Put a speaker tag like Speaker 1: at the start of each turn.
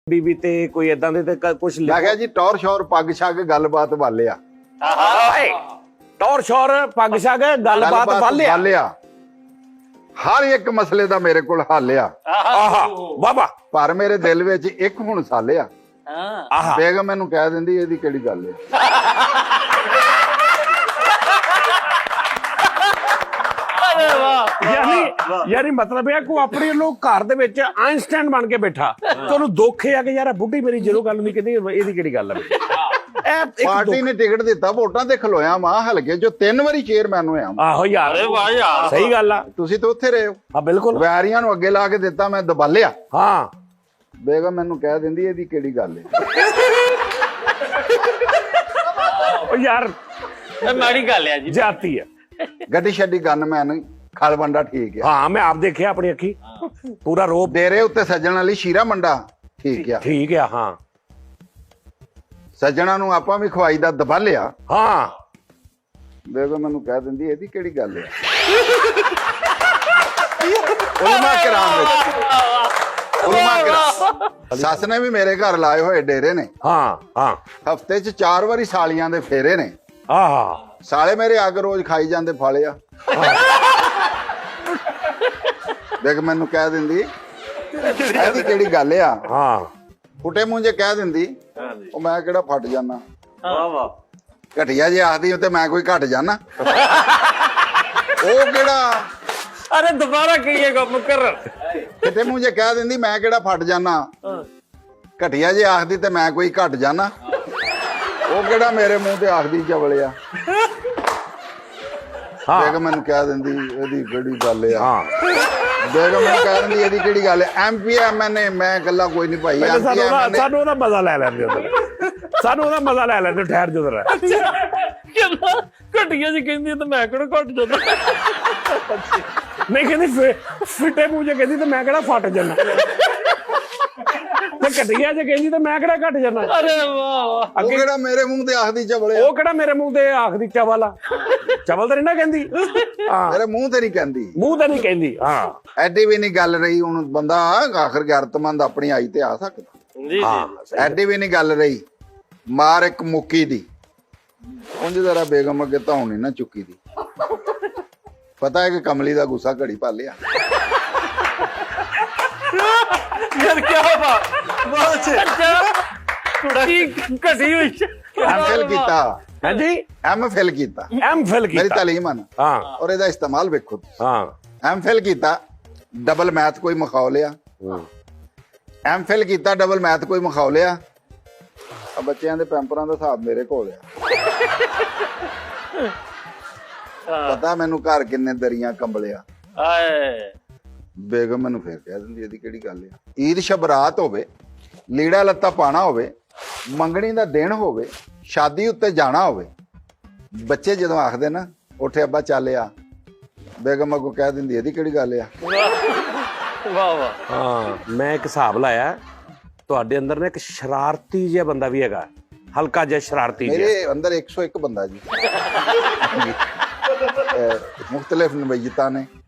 Speaker 1: ਬੀਬੀ ਤੇ ਕੋਈ ਇਦਾਂ ਦੇ ਤੇ ਕੁਝ
Speaker 2: ਮੈਂ ਕਿਹਾ ਜੀ ਟੌਰ ਸ਼ੌਰ ਪੱਗ ਛੱਗ ਗੱਲਬਾਤ ਵਾਲਿਆ।
Speaker 1: ਟੌਰ ਸ਼ੌਰ ਪੱਗ ਛੱਗ ਗੱਲਬਾਤ ਵਾਲਿਆ।
Speaker 2: ਹਰ ਇੱਕ ਮਸਲੇ ਦਾ ਮੇਰੇ ਕੋਲ ਹੱਲ ਆ।
Speaker 1: ਆਹਾ ਬਾਬਾ।
Speaker 2: ਪਰ ਮੇਰੇ ਦਿਲ ਵਿੱਚ ਇੱਕ ਹੁਣ ਸਾਲਿਆ। ਬੇਗਮ ਮੈਨੂੰ ਕਹਿ ਦਿੰਦੀ ਇਹਦੀ ਕਿਹੜੀ ਗੱਲ ਹੈ।
Speaker 1: ਯਾਨੀ ਮਤਲਬ ਇਹ ਕੋ ਆਪਣੇ ਲੋਕ ਘਰ ਦੇ ਵਿੱਚ ਆਇਨਸਟਾਈਨ ਬਣ ਕੇ ਬੈਠਾ ਤੁਹਾਨੂੰ ਦੁੱਖ ਹੈ ਕਿ ਯਾਰ ਬੁੱਢੀ ਮੇਰੀ ਜਦੋਂ ਗੱਲ ਨਹੀਂ ਕਹਿੰਦੀ ਇਹਦੀ ਕਿਹੜੀ ਗੱਲ ਹੈ।
Speaker 2: ਪਾਰਟੀ ਨੇ ਟਿਕਟ ਦਿੱਤਾ, ਵੋਟਾਂ ਤੇ ਖਲੋਇਆ ਮਾਂ ਹਲਕੇ ਜੋ 3 ਵਾਰੀ ਚੇਅਰਮੈਨ ਹੋਇਆ।
Speaker 1: ਆਹੋ ਯਾਰ ਸਹੀ ਗੱਲ ਆ।
Speaker 2: ਤੁਸੀਂ ਤਾਂ ਉੱਥੇ ਰਹੇ ਹੋ।
Speaker 1: ਹਾਂ ਬਿਲਕੁਲ।
Speaker 2: ਵੈਰੀਆਂ ਨੂੰ ਅੱਗੇ ਲਾ ਕੇ ਦਿੱਤਾ, ਮੈਂ ਦਬਾਲਿਆ।
Speaker 1: ਹਾਂ
Speaker 2: ਬੇਗਮ ਮੈਨੂੰ ਕਹਿ ਦਿੰਦੀ ਇਹਦੀ ਕਿਹੜੀ ਗੱਲ ਹੈ।
Speaker 1: ਉਹ ਯਾਰ
Speaker 3: ਮਾੜੀ ਗੱਲ ਹੈ ਜੀ,
Speaker 1: ਜਾਤੀ ਹੈ।
Speaker 2: ਗੱਡੀ ਛੱਡੀ ਗਨਮੈਨ ਖਲਵੰਡਾ ਠੀਕ ਆ।
Speaker 1: ਹਾਂ ਮੈਂ ਆਪ ਦੇਖਿਆ ਆਪਣੀ ਅੱਖੀ ਪੂਰਾ ਰੋਪ।
Speaker 2: ਡੇਰੇ ਉੱਤੇ ਸੱਜਣ ਵਾਲੀ ਸ਼ੀਰਾ ਮੰਡਾ ਠੀਕ ਆ।
Speaker 1: ਠੀਕ ਆ। ਹਾਂ
Speaker 2: ਸੱਜਣਾ ਨੂੰ ਆਪਾਂ ਵੀ ਖਵਾਈ ਦਾ ਦਬਾ ਲਿਆ।
Speaker 1: ਹਾਂ
Speaker 2: ਬੇਗਮ ਮੈਨੂੰ ਕਹਿ ਦਿੰਦੀ ਇਹਦੀ ਕਿਹੜੀ ਗੱਲ ਹੈ। ਉਲਮਾ ਕਰਾਮ ਸੱਸ ਨੇ ਵੀ ਮੇਰੇ ਘਰ ਲਾਏ ਹੋਏ ਡੇਰੇ ਨੇ।
Speaker 1: ਹਾਂ ਹਾਂ
Speaker 2: ਹਫਤੇ 'ਚ 4 ਵਾਰੀ ਸਾਲੀਆਂ ਦੇ ਫੇਰੇ ਨੇ।
Speaker 1: ਆਹਾ
Speaker 2: ਸਾਲੇ ਮੇਰੇ ਅੱਗ ਰੋਜ਼ ਖਾਈ ਜਾਂਦੇ ਫਾਲੇ ਆ। ਦੇਖ ਮੈਨੂੰ ਕਹਿ ਦਿੰਦੀ ਇਹਦੀ ਕਿਹੜੀ ਗੱਲ ਆ।
Speaker 1: ਹਾਂ
Speaker 2: ਫੁੱਟੇ ਮੂੰਹ ਜੇ ਕਹਿ ਦਿੰਦੀ ਉਹ ਮੈਂ ਕਿਹੜਾ ਫਟ ਜਾਣਾ।
Speaker 3: ਵਾਹ ਵਾਹ।
Speaker 2: ਘਟਿਆ ਜੇ ਆਖਦੀ ਤੇ ਮੈਂ ਕੋਈ ਘਟ ਜਾਣਾ। ਉਹ ਕਿਹੜਾ
Speaker 3: ਅਰੇ ਦੁਬਾਰਾ ਕਹੀਏ ਕੰਮ ਕਰ।
Speaker 2: ਫੁੱਟੇ ਮੂੰਹ ਜੇ ਕਹਿ ਦਿੰਦੀ ਮੈਂ ਕਿਹੜਾ ਫਟ ਜਾਣਾ। ਘਟਿਆ ਜੇ ਆਖਦੀ ਤੇ ਮੈਂ ਕੋਈ ਘਟ ਜਾਣਾ। ਉਹ ਕਿਹੜਾ ਮੇਰੇ ਮੂੰਹ ਤੇ ਆਖਦੀ ਚਵਲਿਆ। ਦੇਖ ਮੈਨੂੰ ਕਹਿ ਦਿੰਦੀ ਇਹਦੀ ਕਿਹੜੀ ਗੱਲ ਆ।
Speaker 1: ਹਾਂ
Speaker 2: ਦੇਖ ਮੈਨੂੰ ਕਹਿ ਦਿੰਦੀ ਇਹਦੀ ਕਿਹੜੀ ਗੱਲ ਹੈ। ਐਮਪੀ ਐਮਐਨਏ ਮੈਂ ਗੱਲਾਂ ਕੋਈ ਨਹੀਂ ਭਾਈ।
Speaker 1: ਸਾਨੂੰ ਉਹਦਾ ਮਜ਼ਾ ਲੈ ਲੈਂਦੇ ਉਧਰ। ਸਾਨੂੰ ਉਹਦਾ ਮਜ਼ਾ ਲੈ ਲੈਂਦੇ ਠਹਿਰ ਜੋ ਜਰਾ।
Speaker 3: ਘਟੀਆਂ ਜੀ ਕਹਿੰਦੀ ਤੇ ਮੈਂ ਕਿਹੜਾ ਘਟ ਜਾਂਦਾ।
Speaker 1: ਨਹੀਂ ਕਹਿੰਦੀ ਫਿੱਟੇ ਮੂੰਹ ਜੇ ਕਹਿੰਦੀ ਤੇ ਮੈਂ ਕਿਹੜਾ ਫਟ ਜਾਣਾ। ਤੇ ਘਟਿਆ ਜੇ ਕਹਿੰਦੀ ਤੇ ਮੈਂ ਕਿਹੜਾ ਘਟ ਜਾਣਾ।
Speaker 3: ਅਰੇ ਵਾਹ ਵਾਹ।
Speaker 2: ਉਹ ਕਿਹੜਾ ਮੇਰੇ ਮੂੰਹ ਤੇ ਆਖਦੀ ਚਵਲਿਆ।
Speaker 1: ਉਹ ਕਿਹੜਾ ਮੇਰੇ ਮੂੰਹ ਤੇ ਆਖਦੀ ਚਵਲ ਆ। ਚਵਲ ਤਾਂ ਨਹੀਂ ਨਾ ਕਹਿੰਦੀ। ਹਾਂ
Speaker 2: ਮੇਰੇ ਮੂੰਹ ਤੇ ਨਹੀਂ ਕਹਿੰਦੀ।
Speaker 1: ਮੂੰਹ ਤੇ ਨਹੀਂ ਕਹਿੰਦੀ। ਹਾਂ
Speaker 2: ਐਡੀ ਵੀ ਨਹੀਂ ਗੱਲ ਰਹੀ। ਹੁਣ ਬੰਦਾ ਆਖਰ ਗੈਰਤਮੰਦ ਆਪਣੀ ਆਈ ਤੇ ਆ ਸਕਦਾ।
Speaker 3: ਜੀ ਜੀ।
Speaker 2: ਐਡੀ ਵੀ ਨਹੀਂ ਗੱਲ ਰਹੀ। ਮਾਰ ਇੱਕ ਮੁੱਕੀ ਦੀ ਉਂਝ ਜ਼ਰਾ ਬੇਗਮ ਅੱਗੇ ਧੌਣ ਨਹੀਂ ਨਾ ਚੁੱਕੀ ਦੀ। ਪਤਾ ਹੈ ਕਿ ਕਮਲੀ ਦਾ ਗੁੱਸਾ ਘੜੀ ਪਾ ਲਿਆ।
Speaker 3: ਯਾਰ ਕੀ ਬਾਤ ਬਹੁਤ ਅੱਛਾ। ਕੀ ਘਟੀ ਹੋਈ।
Speaker 2: ਐਮਫਿਲ ਕੀਤਾ।
Speaker 1: ਹਾਂਜੀ
Speaker 2: ਐਮਫਿਲ ਕੀਤਾ।
Speaker 1: ਐਮਫਿਲ
Speaker 2: ਮੇਰੀ
Speaker 1: ਕੀਤਾ।
Speaker 2: ਤਾਲੀਮ ਹਨ।
Speaker 1: ਹਾਂ
Speaker 2: ਔਰ ਇਹਦਾ ਇਸਤੇਮਾਲ ਵੇਖੋ।
Speaker 1: ਹਾਂ
Speaker 2: ਐਮਫਿਲ ਕੀਤਾ ਡਬਲ ਮੈਥ ਕੋਈ ਮਖਾਉ ਲਿਆ। ਐਮਫਿਲ ਕੀਤਾ ਡਬਲ ਮੈਥ ਕੋਈ ਮਖਾਉ ਲਿਆ। ਆ ਬੱਚਿਆਂ ਦੇ ਪੈਂਪਰਾਂ ਦਾ ਹਿਸਾਬ ਮੇਰੇ ਕੋਲ ਆ। ਪਤਾ ਮੈਨੂੰ ਘਰ ਕਿੰਨੇ ਦਰੀਆਂ ਕੰਬਲਿਆ।
Speaker 3: ਆਏ
Speaker 2: ਬੇਗਮ ਮੈਨੂੰ ਫੇਰ ਕਹਿ ਦਿੰਦੀ ਇਹਦੀ ਕਿਹੜੀ ਗੱਲ ਆ। ਈਦ ਸ਼ਬਰਾਤ ਹੋਵੇ, ਲੀੜਾ ਲੱਤਾ ਪਾਣਾ ਹੋਵੇ, ਮੰਗਣੀ ਦਾ ਦਿਨ ਹੋਵੇ, ਸ਼ਾਦੀ ਉੱਤੇ ਜਾਣਾ ਹੋਵੇ, ਬੱਚੇ ਜਦੋਂ ਆਖਦੇ ਨਾ ਉੱਠੇ ਅੱਬਾ ਚੱਲਿਆ, ਬੇਗਮ ਅੱਗੋਂ ਕਹਿ ਦਿੰਦੀ ਇਹਦੀ ਕਿਹੜੀ ਗੱਲ ਆ।
Speaker 3: ਵਾਹ ਵਾਹ।
Speaker 1: ਹਾਂ ਮੈਂ ਇੱਕ ਹਿਸਾਬ ਲਾਇਆ ਤੁਹਾਡੇ ਅੰਦਰ ਨਾ ਇੱਕ ਸ਼ਰਾਰਤੀ ਜਿਹਾ ਬੰਦਾ ਵੀ ਹੈਗਾ। ਹਲਕਾ ਜਿਹਾ ਸ਼ਰਾਰਤੀ ਜਿਹਾ।
Speaker 2: ਮੇਰੇ ਅੰਦਰ 101 ਬੰਦਾ ਜੀ। ਮੁਖਤਲਿਫ ਨਵੀਅਤਾਂ ਨੇ।